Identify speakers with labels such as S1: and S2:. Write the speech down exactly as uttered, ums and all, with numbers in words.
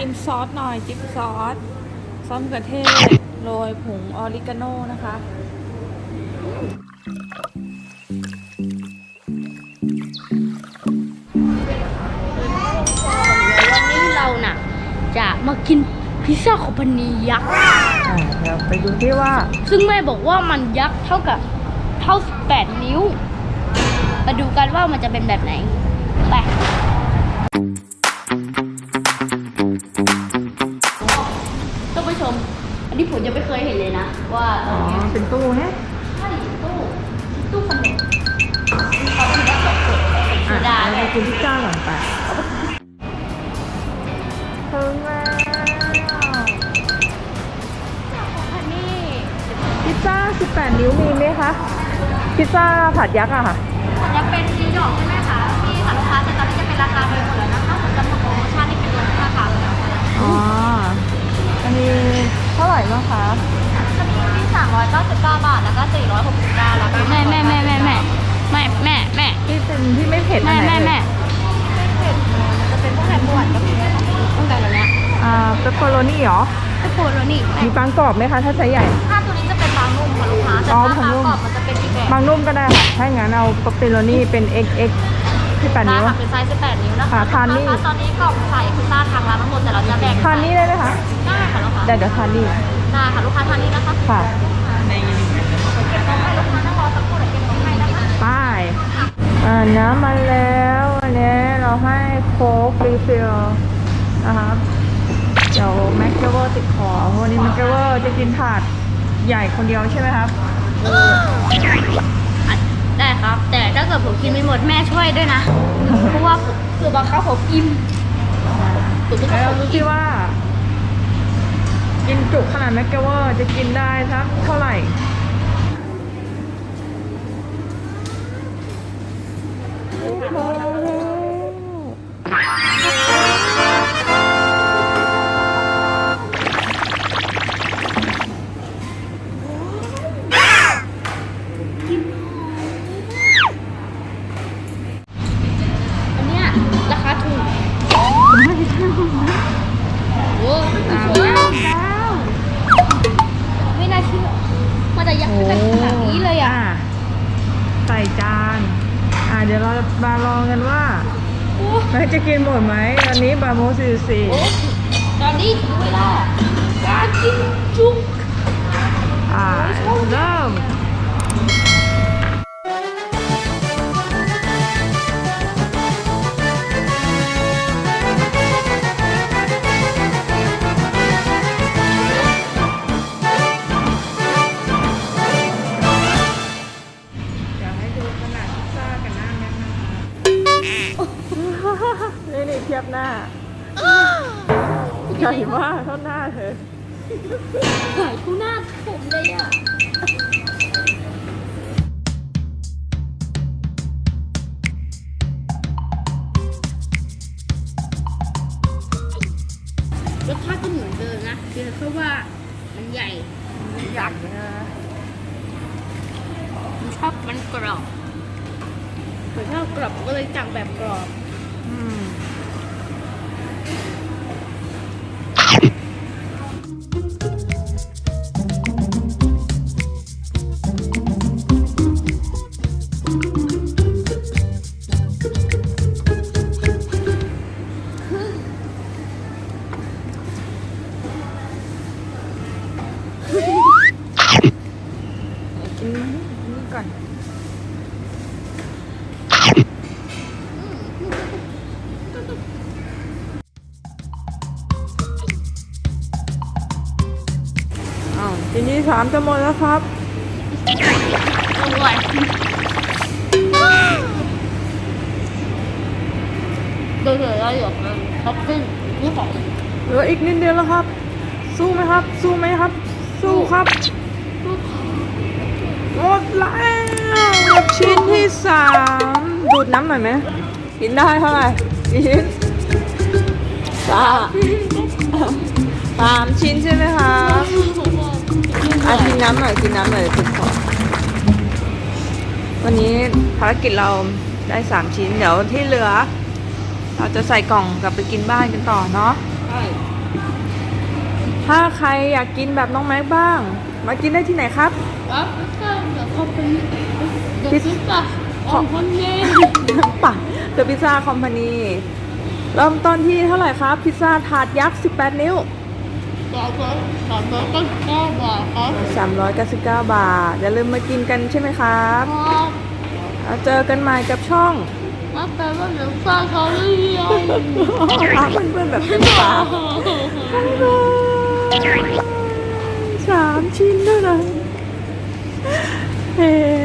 S1: จิ้มซอสหน่อยจิ้มซอสซอสมะเขือเทศโรยผงออริกาโน่นะคะ
S2: วันนี้เราน่ะจะมากินพิซซ่าคอมพานียักษ์
S1: อ่าเดี๋ยวไปดูที่ว่า
S2: ซึ่งแม่บอกว่ามันยักษ์เท่ากับเท่าสิบแปดนิ้วมาดูกันว่ามันจะเป็นแบบไหนไปท่านผู้ชมอันนี้ผมยังไม่เคยเห็นเลยนะว่า
S1: อ๋อเป็นตู้ฮะ
S2: ใช่ตู้ตู้ขนมเขาคิดว่าสดๆเป็นโซดา
S1: ไป
S2: เนี่ย
S1: กินพิซซ่าก่อนไปถึงแล้วพิซซ่าสิบแปดนิ้วมีไหมคะพิซซ่าผัดยักษ์อะค่ะ
S2: ยังเป็นนิวยอร์กใช่ไหมคะมีค่ะลูกค้าแต่ตอนนี้จะเป็นราคาเดิมหมดแล้วนะคะเหมือนกับโปรโมชั่นที่เป็นลดราคาแล้วค่ะ
S1: อ๋ออันนี้เท่าไหร่บ้างคะ
S2: จะมีที่สามร้อยเก้าสิบเก้าบาทแล้วก็สี่ร้อยหกสิบเก้าแล้วก็แม่แม่แม่แม่แม่แม่แม่แม่
S1: ที่เป็นที่ไม่เผ็ด
S2: แม่
S1: อันไหน
S2: แม่แม่เผ็ดจะเป็นพวกแฮมบวนกับต้องการแบบนี้
S1: อ่าเปปเปอโรนี่เหรอ
S2: เปปเปอโรนี่
S1: มีบางกรอบไหมคะถ้าใช้ใหญ่
S2: ถ้าตัวนี้จะเป็นบางนุ่มค่ะลูกค้าแต่ถ้าบางกรอบมันจะเป็นอีกแบบ
S1: บางนุ่มก็ได้ค่ะถ้าอย่างนั้นเอาเปปเปอโรนี่เป็น เอ็กซ์ เอ็กซ์ ที่แปดนิ้ว
S2: ค่ะเป็นไซส์สิบแปดนิ้วนะคะ
S1: ทานนี่
S2: ตอนนี้กล่องใส่พิซซ่าทางร้านทั้งหมดแต่เราจะแบ่ง
S1: ทานนี่ได้ไหมคะ
S2: ได้ค่ะลูกค้า
S1: เดี๋ยวเดี๋ยวทานนี่
S2: ได้ค่ะลูกค้าทานนี่นะคะ
S1: ค่ะ
S2: เก็บของให้ลูกค้านั่งรอสักครู่เดี๋ยวเก็บของให้นะคะ
S1: ป้ายอ่าน้ำมาแล้ววันนี้เราให้โค้กรีฟิลนะครับเดี๋ยวแม็กเกเวอร์ติดคอวันนี้แม็กเกเวอร์จะกินถาดใหญ่คนเดียวใช่ไหมครับ
S2: ได้ครับแต่ถ้าเกิดผมกินไม่หมดแม่ช่วยด้วยนะเพราะว่าผมคือบางครั้งผมอิ่มผมไม่
S1: แล้ว
S2: ต้อง
S1: ดูที่ว่า กินจุขนาดแม็กเกเวอร์จะกินได้สักเท่าไหร่
S2: อันเนี้ยราคาถูกโอ้สวยไม่น่าเชื่อมันจะยักษ์ขนาดนี้เลยอ่ะ
S1: ใส่จานอ่าเดี๋ยวเรามาลองกันว่าแม็กจะกินหมดไหมอันนี้บาโมสี่สี่
S2: ตอนนี้เวลาการกินจุก
S1: อ่าเริ่มนี่นี่เทียบหน้าใหญ่มากเท่าหน้าเธอ
S2: หายคู่หน้าผมเลยอ่ะรสชาติก็เหมือนเดิมนะเพียงแค่ว่ามันใหญ่
S1: ใหญ่นะ
S2: ผมชอบมันกรอบผมชอบกรอบก็เลยสั่งแบบกรอบ
S1: อืมกินนี่ก่อนอ้าวทีนี้สามจะหมดแล้วครับ
S2: อร่อยโดยเฉพาะอย่างนั้นท็อปปิ้งนี่ของ
S1: เหลืออีกนิดเดียวแล้วครับสู้ไหมครับสู้ไหมครับสู้ครับหมดแล้วชิ้นที่สามดูดน้ำหน่อยไหมกินได้เท่าไหร่กี่ชิ้นสามสามชิ้นใช่ไหมคะอ่ะกินน้ำหน่อยกินน้ำหน่อยติดคอวันนี้ภารกิจเราได้สามชิ้นเดี๋ยวที่เหลือเราจะใส่กล่องกลับไปกินบ้านกันต่อเนาะ
S2: ใช่
S1: ถ้าใครอยากกินแบบน้องแม็กบ้าง มากินได้ที่ไหนครับ
S2: แล้วก็เดี๋ยวเขาเป็นเดี๋ยวพิซซ่าของคนเล่น
S1: ป่ะเดอะพิซซ่าคอมพานีเริ่มต้นที่เท่าไหร่ครับ พิซซ่าถาดยักษ์สิบแปดนิ้ว
S2: สามร้อยสามร้อยเก้าสิบเก้าบาทครับ
S1: สามร้อยเก้าสิบเก้าบาท อย่าลืมมากินกันใช่ไหมครับ
S2: ครับ
S1: แล้วเจอกันใหม่กับช่อง
S2: มาแปลว่าเดี๋ยวฟ้าเขาเรียน
S1: พาเพื่อนๆแบบเต็มปากสามชิ้นเท่านั้นเฮ้